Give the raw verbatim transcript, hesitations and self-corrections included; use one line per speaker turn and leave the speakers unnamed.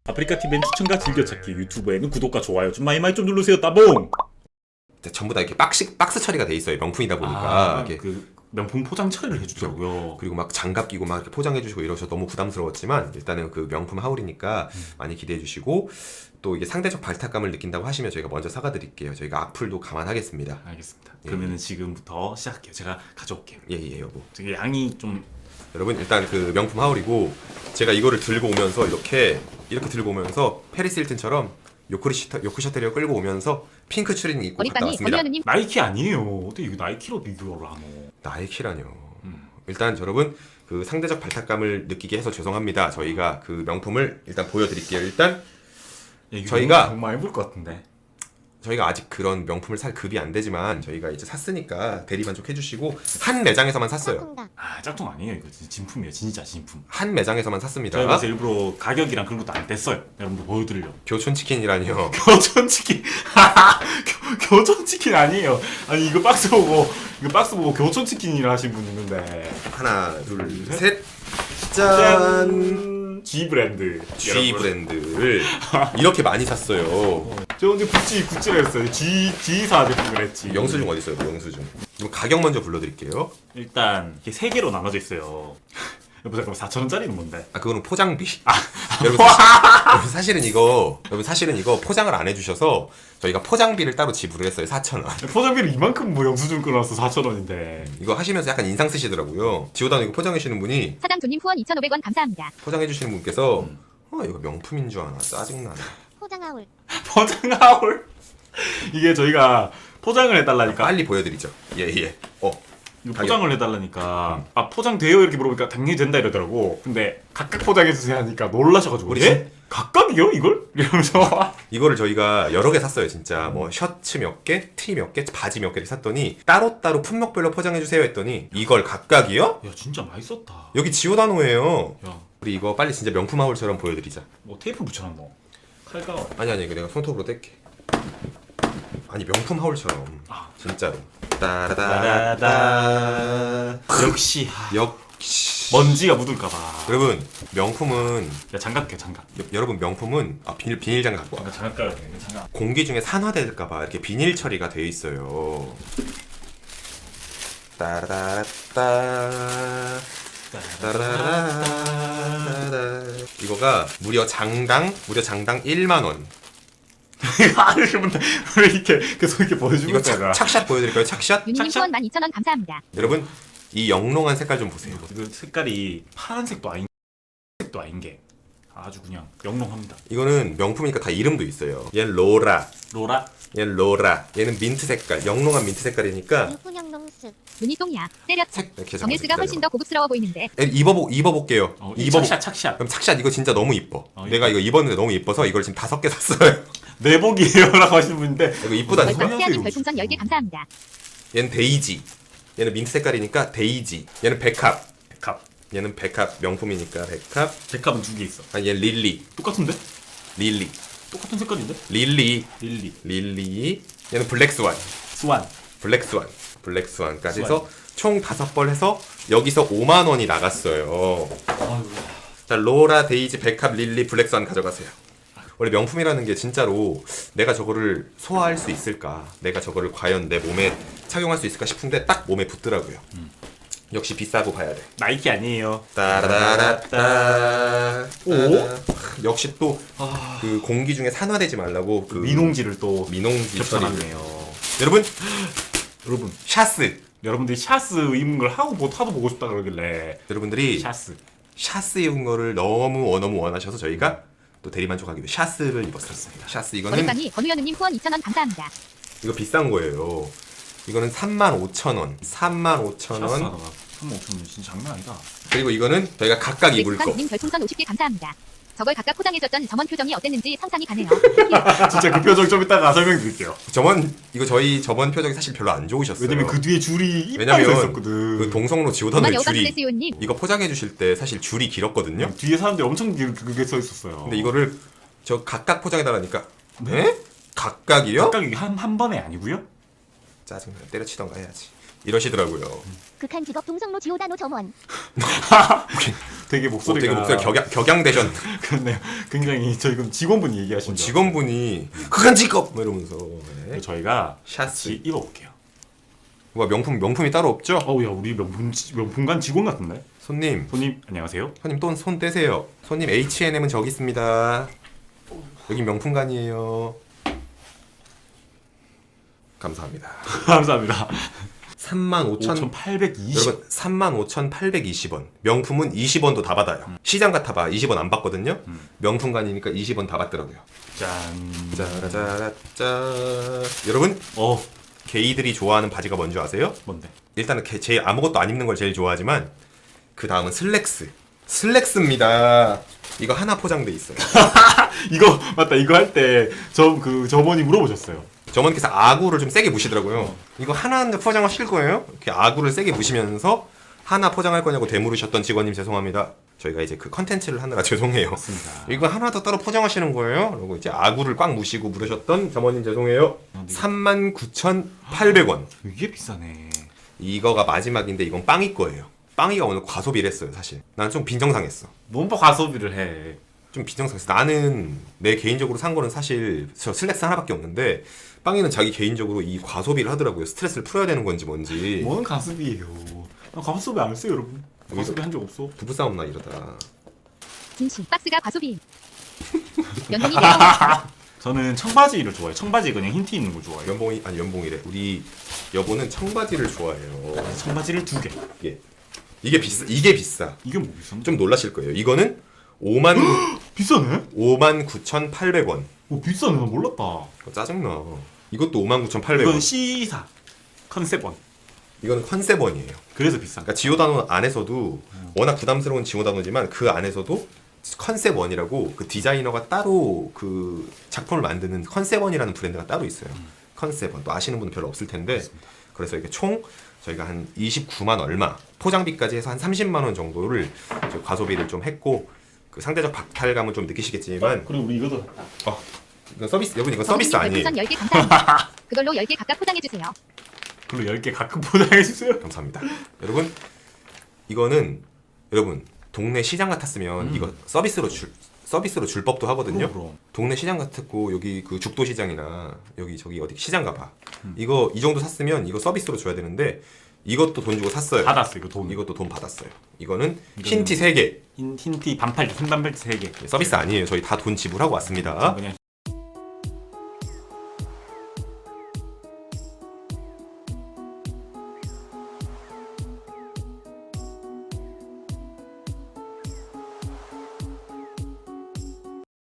아프리카티비엔 추천과 즐겨찾기, 유튜브에는 구독과 좋아요 좀 많이 많이 좀 누르세요. 따봉!
전부 다 이렇게 박스, 박스 처리가 돼 있어요. 명품이다 보니까.
아,
이렇게.
그 명품 포장 처리를 해주더라고요.
그리고 막 장갑 끼고 막 이렇게 포장해 주시고 이러셔서 너무 부담스러웠지만 일단은 그 명품 하울이니까
음.
많이 기대해 주시고 또 이게 상대적 발탁감을 느낀다고 하시면 저희가 먼저 사가 드릴게요. 저희가 악플도 감안하겠습니다.
알겠습니다.
예.
그러면은 지금부터 시작할게요. 제가 가져올게요.
예예 여보.
되게 양이 좀
여러분 일단 그 명품 하울이고 제가 이거를 들고 오면서 이렇게 이렇게 들고 오면서 페리스 힐튼처럼 요크리 셔터 요크 셔터리어 끌고 오면서 핑크 추리닝 입고 갔다
어리빵이
왔습니다.
어미언님
나이키 아니에요. 어떻게 이거 나이키로 비교를 하노?
나이키라뇨.
음.
일단 여러분 그 상대적 발탁감을 느끼게 해서 죄송합니다. 저희가 그 명품을 일단 보여드릴게요. 일단
야, 이거
저희가-
너무 많이 볼 것 같은데.
저희가 아직 그런 명품을 살 급이 안 되지만 저희가 이제 샀으니까 대리만족 해주시고 한 매장에서만 샀어요.
아 짝퉁 아니에요. 이거 진짜 진품이에요. 진짜 진품.
한 매장에서만 샀습니다.
저희가 그래서 일부러 가격이랑 그런 것도 안 뗐어요. 여러분들 보여드리려고.
교촌치킨이라니요.
교촌치킨. 교, 교촌치킨 아니에요. 아니 이거 박스 보고 이거 박스 보고 교촌치킨이라 하신 분 있는데.
하나 둘
셋.
셋. 짠.
짠. G 브랜드.
G
여러분.
브랜드를 이렇게 많이 샀어요.
저 언제 구찌 구찌를 했어요. G G사 제품을 했지.
영수증 어디 있어요? 영수증. 그럼 가격 먼저 불러드릴게요.
일단 이게 세 개로 나눠져 있어요. 여보 잠깐만 사천 원짜리는 뭔데?
아 그거는 포장비. 여러분, 사실, 여러분 사실은 이거 여러분 사실은 이거 포장을 안 해주셔서 저희가 포장비를 따로 지불을 했어요. 사천 원.
포장비를 이만큼 뭐 영수증 끊어놨어 사천 원인데.
이거 하시면서 약간 인상 쓰시더라고요. 지오다는 이거 포장해주시는 분이
사장조님 후원 이천오백 원 감사합니다.
포장해주시는 분께서
음.
어 이거 명품인 줄 아나 짜증나네.
포장하울.
포장하울. 이게 저희가 포장을 해달라니까.
빨리 보여드리죠. 예예. 어
이거
가격.
포장을 해달라니까 아 포장돼요 이렇게 물어보니까 당연히 된다 이러더라고. 근데 각각 포장해주세요 하니까 놀라셔가지고
우리
예? 각각이요 이걸? 이러면서
이거를 저희가 여러 개 샀어요. 진짜 뭐 셔츠 몇 개, 티 몇 개, 바지 몇 개를 샀더니 따로따로 품목별로 포장해주세요 했더니 이걸 각각이요?
야 진짜 많이 썼다.
여기 지오다노예요.
야
우리 이거 빨리 진짜 명품 하울처럼 보여드리자.
뭐 테이프 붙여놨노? 칼가
아니 아니 이거 내가 손톱으로 뗄게. 아니 명품 하울처럼
아.
진짜로. 따라다다.
역시 아,
역시.
먼지가 묻을까봐.
여러분 명품은
야 장갑 껴 장갑.
여, 여러분 명품은 아 비닐 비닐 장갑 갖고 와.
장갑 장갑 껴야 돼 장갑.
공기 중에 산화될까봐 이렇게 비닐 처리가 되어 있어요. 따라따따. 따라라라라라. 이거가 무려 장당 무려 장당 일만 원.
아저씨분들 왜 이렇게 계속 이렇게 보여주고
이거
있다가.
착, 착샷 보여드릴까요? 착샷?
윤님
착착.
후원 만 이천 원 감사합니다.
여러분 이 영롱한 색깔 좀 보세요.
이거 색깔이 파란색도 아닌 색도 아닌 게 아주 그냥 영롱합니다.
이거는 명품이니까 다 이름도 있어요. 얘는 로라,
로라
얘는 로라, 얘는 민트 색깔, 영롱한 민트 색깔이니까
유훈영롱스. 눈이 똥이야. 때렸다.
색 이렇게
정일스가 훨씬 더 고급스러워 보이는데.
에, 입어보 입어볼게요.
어,
입어.
착샷 착샷
그럼 착샷 이거 진짜 너무 이뻐.
어,
내가 이거 입었는데 너무 이뻐서 이걸 지금 다섯 개 샀어요.
내복이에요라고 하시는 분인데
이거 이쁘다니까.
뭐야?
벌써 태아님 별풍선 열 개 감사합니다.
얘는 데이지. 얘는 민트 색깔이니까 데이지. 얘는 백합.
백합
얘는 백합 명품이니까 백합.
백합은 두 개 있어.
아 얘 릴리.
똑같은데?
릴리.
똑같은 색깔인데?
릴리.
릴리
릴리. 얘는 블랙스완.
스완
블랙스완. 블랙스완까지
스완.
해서 총 다섯 벌 해서 여기서 오만 원이 나갔어요.
아유
자, 로라, 데이지, 백합, 릴리, 블랙스완 가져가세요. 원래 명품이라는 게 진짜로 내가 저거를 소화할 수 있을까? 내가 저거를 과연 내 몸에 착용할 수 있을까 싶은데 딱 몸에 붙더라고요.
음.
역시 비싸고 봐야 돼.
나이키 아니에요.
따라라따.
오?
역시 또
아
그 공기 중에 산화되지 말라고 그
민홍지를 또
민홍지 처리.
겹쳐놨네요.
여러분
여러분
샤스.
여러분들이 샤스 입은 걸 하고 뭐 하도 보고 싶다 그러길래
여러분들이
샤스
샤스 입은 거를 너무 너무 원하셔서 저희가 또 대리만족하기 위해 샤스를 입었습니다. 샤스 이거는
어리빵이 권우현우님 후원 이천 원 감사합니다.
이거 비싼 거예요. 이거는 삼만 오천 원. 삼만 오천
샤스
원.
하다가 삼만 오천 원 진짜 장난 아니다.
그리고 이거는 저희가 각각 입을 거.
렉스칸님 별풍선 오십 개 감사합니다. 저걸 각각 포장해줬던 점원 표정이 어땠는지 상상이 가네요.
진짜 그 표정 좀 이따가 설명드릴게요.
저번 이거 저희 저번 표정이 사실 별로 안 좋으셨어요.
왜냐면 그 뒤에 줄이 이빨
왜냐면
있었거든.
그 동성로
엄마
지오다노의
여우가
줄이
플레스요님.
이거 포장해 주실 때 사실 줄이 길었거든요.
뒤에 사람들이 엄청 길- 그게 써 있었어요.
근데 이거를 저 각각 포장해 달라니까. 네? 각각이요?
각각 이게 한, 한 번에 아니고요?
짜증나. 때려치던가 해야지. 이러시더라고요.
극한 직업 동성로 지오다노 점원.
되게
어,
목소리가
되게 목소리 격양, 격양되셨.
그렇네요. 굉장히 저희 그럼 직원분이 얘기하신 줄
직원분이 극한 직업 뭐 이러면서. 네.
알았어요. 저희가
샷스.
같이 입어볼게요.
뭐 명품 명품이 따로 없죠?
어우야 우리 명품 명품관 직원 같은데?
손님,
손님 안녕하세요.
손님 또 손 떼세요. 손님 에이치 앤 엠은 저기 있습니다. 여기 명품관이에요. 감사합니다.
감사합니다.
삼만 오천
오천팔백이십.
여러분 삼만 오천팔백이십 원. 명품은 이십 원도 다 받아요.
음.
시장 같아봐 이십 원 안 받거든요.
음.
명품관이니까 이십 원 다 받더라고요.
짠.
짜라짜라짜. 여러분
어
게이들이 좋아하는 바지가 뭔지 아세요?
뭔데?
일단은 게- 제일 아무것도 안 입는 걸 제일 좋아하지만 그 다음은 슬랙스. 슬랙스입니다. 이거 하나 포장돼 있어요.
이거 맞다. 이거 할 때 저 그 저번이 물어보셨어요.
저번께서 아구를 좀 세게 무시더라고요. 이거 하나 포장하실 거예요? 이렇게 아구를 세게 무시면서 하나 포장할 거냐고 되물으셨던 직원님 죄송합니다. 저희가 이제 그 컨텐츠를 하느라 죄송해요.
맞습니다.
이거 하나 더 따로 포장하시는 거예요? 그리고 이제 아구를 꽉 무시고 물으셨던 점원님 죄송해요. 삼만 구천팔백 원.
이게 비싸네.
이거가 마지막인데 이건 빵이 거예요. 빵이가 오늘 과소비를 했어요 사실. 난 좀 빈정상했어.
뭔 과소비를 해.
좀 빈정상했어. 나는 내 개인적으로 산 거는 사실 저 슬랙스 하나밖에 없는데 빵이는 자기 개인적으로 이 과소비를 하더라고요. 스트레스를 풀어야 되는 건지 뭔지.
뭔 가소비예요? 나 가소비 안 했어요 여러분. 가소비 한 적 없어.
부부싸움 나 이러다.
진심 박스가 과소비. 연봉이 내려와.
저는 청바지를 좋아해요. 청바지 그냥 흰 티 있는 거 좋아해요.
연봉이 아니 연봉이래. 우리 여보는 청바지를 좋아해요.
청바지를 두 개.
이게 이게 비싸. 이게 비싸.
이게 뭐 비싼데?
좀 놀라실 거예요. 이거는 오만
비싸네?
오만 구천팔백 원.
오 비싸네. 나 몰랐다.
어, 짜증나. 이것도 오만 구천팔백 원.
이건 C사 컨셉원.
이거는 컨셉원이에요.
그래서 비싼 거.
그러니까 지오다노 안에서도 워낙 부담스러운 지오다노지만 그 안에서도 컨셉원이라고 그 디자이너가 따로 그 작품을 만드는 컨셉원이라는 브랜드가 따로 있어요. 컨셉원 또 아시는 분은 별로 없을 텐데 그래서 이게 총 저희가 한 이십구만 얼마 포장비까지 해서 한 삼십만 원 정도를 저 과소비를 좀 했고 그 상대적 박탈감은 좀 느끼시겠지만
그리고 우리 이것도 샀다.
어, 이건 서비스 여러분 이건 서비스 아니에요.
별풍선 열 개 감사합니다. 그걸로 열 개 각각 포장해주세요.
그리고 열 개 가끔 포장해주세요.
감사합니다. 여러분 이거는 여러분 동네 시장 같았으면
음.
이거 서비스로 줄 서비스로 줄 법도 하거든요.
그럼, 그럼.
동네 시장 같았고 여기 그 죽도 시장이나 여기 저기 어디 시장 가봐.
음.
이거 이 정도 샀으면 이거 서비스로 줘야 되는데 이것도 돈 주고 샀어요.
받았어 이거 돈.
이것도 돈 받았어요. 이거는
이거는-
흰 티 세 개.
흰, 흰티 반팔티 흰 반팔티 세 개.
서비스 아니에요. 저희 다 돈 지불하고 왔습니다.
그냥